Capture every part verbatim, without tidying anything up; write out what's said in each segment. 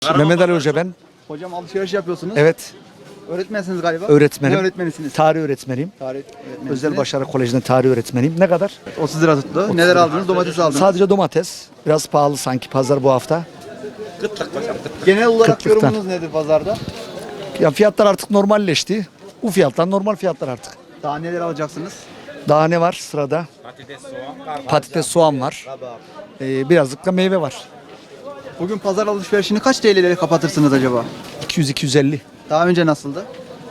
Mehmet Ali Hoca ben. Hocam alışveriş yapıyorsunuz. Evet. Öğretmensiniz galiba. Öğretmenim. Ne öğretmenisiniz? Tarih öğretmeniyim. Tarih öğretmenisiniz. Özel Başarı Koleji'nde tarih öğretmeniyim. Ne kadar? otuz lira tuttu. Neler aldınız? Domates aldınız. Sadece domates. Biraz pahalı sanki pazar bu hafta. Genel olarak Kıtlıktan. yorumunuz nedir pazarda? Ya fiyatlar artık normalleşti. Bu fiyatlar normal fiyatlar artık. Daha neler alacaksınız? Daha ne var sırada? Patates, soğan, Patates, soğan var. Ee, birazcık da meyve var. Bugün pazar alışverişini kaç T L'lere kapatırsınız acaba? iki yüz iki yüz elli. Daha önce nasıldı?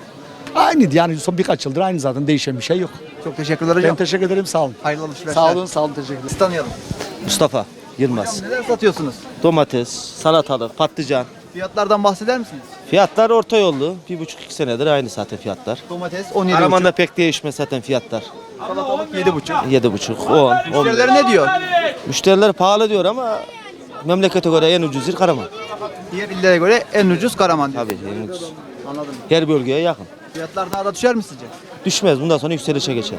Aynıydı yani son birkaç yıldır aynı zaten değişen bir şey yok. Çok teşekkürler hocam. Ben teşekkür ederim sağ olun. Hayırlı alışverişler. Sağ olun sağ olun teşekkür ederim. Sizi tanıyalım. Mustafa Yılmaz. Neler satıyorsunuz? Domates, salatalık, patlıcan. Fiyatlardan bahseder misiniz? Fiyatlar orta yollu. Bir buçuk iki senedir aynı zaten fiyatlar. Domates on yedi Karaman'da pek değişmez zaten fiyatlar. salatalık yedi buçuk. Yedi buçuk, on, on. Müşteriler ne diyor? Müşteriler pahalı diyor ama memlekete göre en ucuz yer Karaman. Diğer illere göre en ucuz Karaman diyor. Tabii en ucuz. Anladım. Her bölgeye yakın. Fiyatlar daha da düşer mi sizce? Düşmez, bundan sonra yükselişe geçer.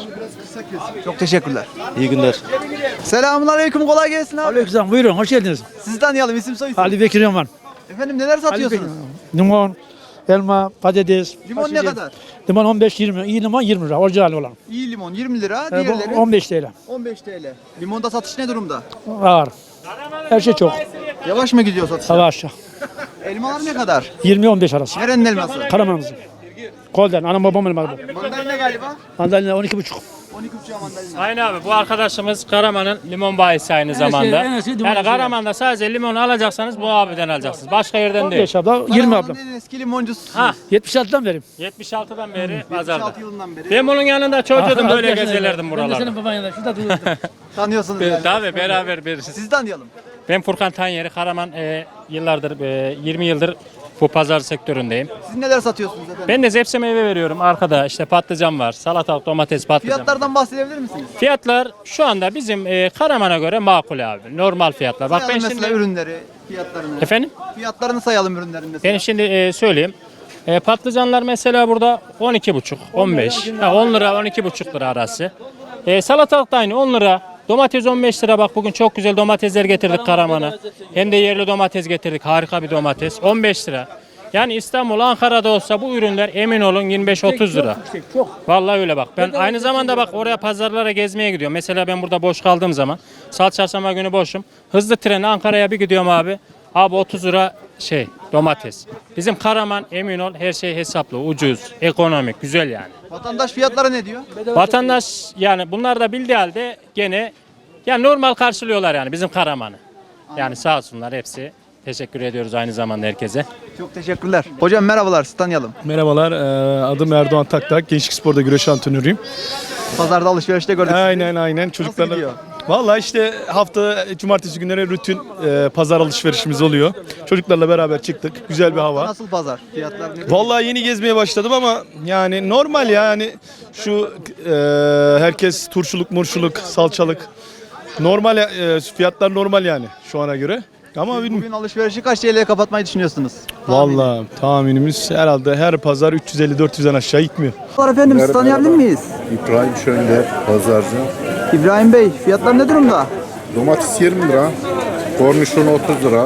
Çok teşekkürler. İyi günler. Selamünaleyküm, kolay gelsin abi. Aleykümselam, buyurun, hoş geldiniz. Sizi tanıyalım, isim soy isim. Ali Bekir Yaman. Efendim neler satıyorsunuz? Limon, elma, patates. Limon fasulye. ne kadar? Limon on beş yirmi, iyi limon yirmi lira, orijinal olan. İyi limon yirmi lira, E, bu diğerleri on beş T L. on beş T L. Limonda satış ne durumda? Ağır. Her şey çok. Yavaş mı gidiyor satış? Hava aşağı. Elmalar ne kadar? yirmi on beş arası. Nerenin elması? Karamanımızın. Kolden, anam babam elmadı. Mandalina galiba. Mandalina on iki buçuk. on iki buçuk mandalina. Aynen abi, bu arkadaşımız Karaman'ın limon bayisi aynı zamanda. en eski limon Yani bayisi. Karaman'da sadece limon alacaksanız bu abiden alacaksınız. Başka yerden on değil. beş abla, yirmi abla. Karaman'ın en eski limoncususunuz. Ha, yetmiş altıdan vereyim. yetmiş altıdan beri yetmiş pazarda. altı yılından beri. Ben bunun yanında çocuğum böyle Arkadaşlar, gezelirdim Ben de buralarda. senin baban yanında, şurada duruyordum. Tanıyorsunuz yani. Tabii beraber veririz. Sizi tanıyalım. Ben Furkan Tanyeri, Karaman e, yıllardır, e, yirmi yıldır bu pazar sektöründeyim. Siz neler satıyorsunuz efendim? Ben de zepse meyve veriyorum. Arkada işte patlıcan var, salatalık, domates, patlıcan. Fiyatlardan bahsedebilir misiniz? Fiyatlar şu anda bizim e, Karaman'a göre makul abi. Normal fiyatlar. Bak ben Sayalım şimdi... mesela ürünleri, fiyatlarını. Efendim? Fiyatlarını sayalım ürünlerin mesela. Ben şimdi e, söyleyeyim. E, patlıcanlar mesela burada on iki buçuk, on beş, ha, on lira, on iki buçuk lira arası. E, salatalık da aynı on lira. Domates on beş lira, bak bugün çok güzel domatesler getirdik Karaman'a. Hem de yerli domates getirdik, harika bir domates. on beş lira. Yani İstanbul, Ankara'da olsa bu ürünler emin olun yirmi beş otuz lira. Vallahi öyle bak. Ben aynı zamanda bak oraya pazarlara gezmeye gidiyorum. Mesela ben burada boş kaldığım zaman, salı çarşamba günü boşum. Hızlı trenle Ankara'ya bir gidiyorum abi. Abi otuz lira şey domates. Bizim Karaman emin ol her şey hesaplı, ucuz, ekonomik, güzel yani. Vatandaş fiyatları ne diyor? Vatandaş yani bunlar da bildiği halde gene yani normal karşılıyorlar yani bizim Karaman'ı. Yani sağ olsunlar hepsi. Teşekkür ediyoruz aynı zamanda herkese. Çok teşekkürler. Hocam merhabalar, sizi tanıyalım. Merhabalar, e, adım Erdoğan Taktak. Gençlik Spor'da güreş antrenörüyüm. Pazarda alışverişte gördük sizi. Aynen aynen. Çocuklarla. gidiyor? Vallahi işte hafta cumartesi günleri rutin e, pazar alışverişimiz oluyor. Çocuklarla beraber çıktık. Güzel bir hava. Nasıl pazar? Fiyatlar ne? Vallahi yeni gezmeye başladım ama yani normal yani şu e, herkes turşuluk, murşuluk, salçalık. Normal e, fiyatlar normal yani şu ana göre. Ama bilmiyorum. Bugün alışverişi kaç T L'ye kapatmayı düşünüyorsunuz? Vallahi tahminimiz herhalde her pazar üç yüz elli dört yüzden aşağı gitmiyor. Merhabalar efendim, sizi tanıyabilir miyiz? İbrahim Şönder, pazarcı. İbrahim Bey, fiyatlar ne durumda? Domates yirmi lira, kornişon otuz lira,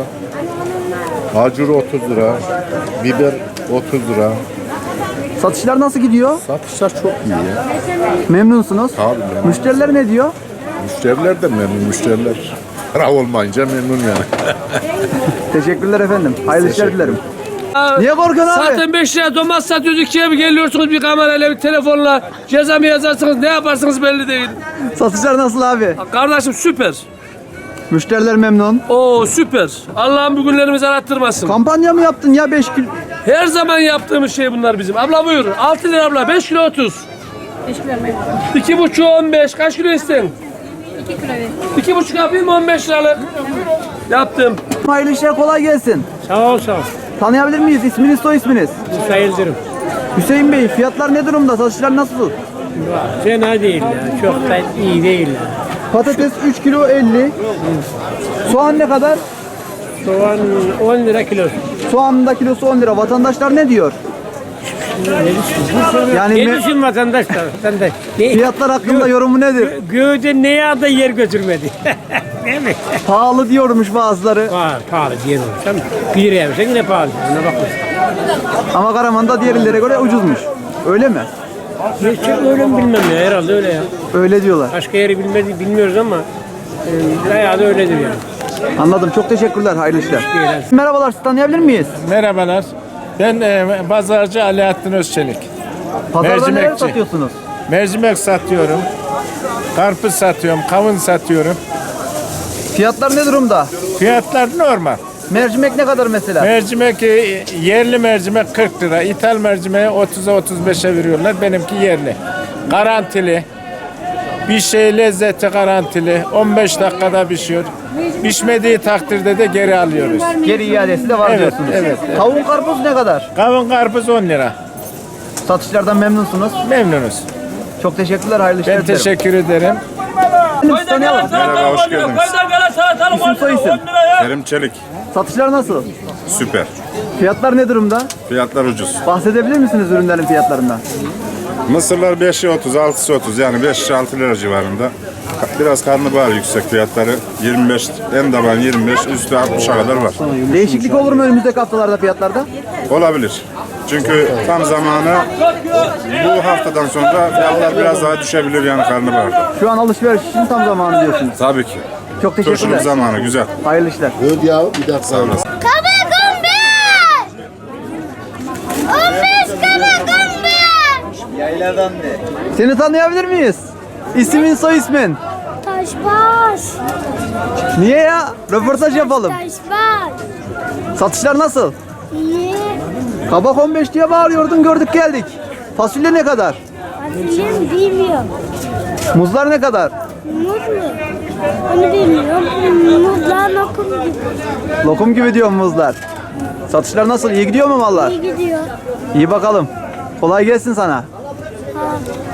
acur otuz lira, biber otuz lira. Satışlar nasıl gidiyor? Satışlar çok iyi ya. Memnunsunuz. Abi memnun. Müşteriler ne diyor? Müşteriler de memnun, müşteriler. Para olmayınca memnun yani. Teşekkürler efendim. Hayırlı işler dilerim. Niye korkuyorsun abi? Zaten beş liraya domates satıyoruz, ikiye mi geliyorsunuz bir kamerayla, bir telefonla, ceza mı yazarsınız, ne yaparsınız belli değil. Satışlar nasıl abi? Kardeşim süper. Müşteriler memnun. Oo süper. Allah'ım bugünlerimizi arattırmasın. Kampanya mı yaptın ya beş kilo? Her zaman yaptığımız şey bunlar bizim. Abla buyur. altı lira abla, beş kilo otuz. iki buçuk on beş. Kaç kilo isteyin? iki kilo ver. iki buçuk yapayım on beş liralık. Yaptım. Hayırlı işler, kolay gelsin. Sağ ol sağ ol. Tanıyabilir miyiz? İsminiz, soy isminiz? Sayılırım. Hüseyin Bey, fiyatlar ne durumda? Satışlar nasıl? Fena değil ya. Çok da iyi değil ya. Patates üç kilo elli. Soğan ne kadar? Soğan on lira kilo. Soğanın da kilosu on lira. Vatandaşlar ne diyor? Yani Ne me- düşün vatandaşlar? Vatandaş. Ne? fiyatlar hakkında yorumu nedir? Göğde ne yağda yer götürmedi. Değil mi? Pahalı diyormuş bazıları. Pahalı, pahalı diyen olur. Tamam. Bir liraya versen yine pahalı. Ona bakma. Ama Karaman'da diğer illere göre ucuzmuş. Öyle mi? Gerçek öyle mi bilmem ya. Herhalde öyle ya. Öyle diyorlar. Başka yeri bilmedi, bilmiyoruz ama e, bayağı da öyledir yani. Anladım. Çok teşekkürler. Hayırlı işler. Merhabalar. Sizi tanıyabilir miyiz? Merhabalar. Ben e, pazarcı Alaaddin Özçelik. Pazarda neler Mercimekçi. satıyorsunuz? Mercimek satıyorum. Karpuz satıyorum, kavun satıyorum. Fiyatlar ne durumda? Fiyatlar normal. Mercimek ne kadar mesela? Mercimek e, yerli mercimek kırk lira. İthal mercimeği otuza otuz beşe veriyorlar. Benimki yerli. Garantili. Bir şey lezzeti garantili. on beş dakikada pişiyor. Pişmediği takdirde de geri alıyoruz. Geri iadesi de var Evet, diyorsunuz. evet, evet. Kavun karpuz ne kadar? Kavun karpuz on lira. Satışlardan memnunsunuz. Memnunuz. Çok teşekkürler. Hayırlı işler Ben dilerim. teşekkür ederim. Sizi tanıyalım. Merhaba, hoş geldiniz. İsim soy isim. Kerim Çelik. Satışlar nasıl? Süper. Fiyatlar ne durumda? Fiyatlar ucuz. Bahsedebilir misiniz ürünlerin fiyatlarından? Mısırlar beşi otuz, altısı otuz yani beş altı lira civarında. Biraz karnabahar yüksek fiyatları. yirmi beş, en taban yirmi beş, üstü altmışa kadar var. Değişiklik olur mu önümüzdeki haftalarda fiyatlarda? Olabilir. Çünkü tam zamanı bu haftadan sonra fiyatlar biraz daha düşebilir yani karnabaharda. Şu an alışveriş için tam zamanı diyorsunuz. Tabii ki. Çok Turşuluk teşekkürler. zamanı güzel. Hayırlı işler. Sağ olasın. Seni tanıyabilir miyiz? İsmin soy ismin. Taşbaş. Niye ya? Röportaj yapalım. Taşbaş. Satışlar nasıl? İyi. Kabak on beş diye bağırıyordun, gördük geldik. Fasulye ne kadar? Fasulye bilmiyorum. Muzlar ne kadar? Muz mu? Onu bilmiyorum. Muzlar lokum gibi. Lokum gibi diyor muzlar. Satışlar nasıl? İyi gidiyor mu mallar? İyi gidiyor. İyi bakalım. Kolay gelsin sana. Ha.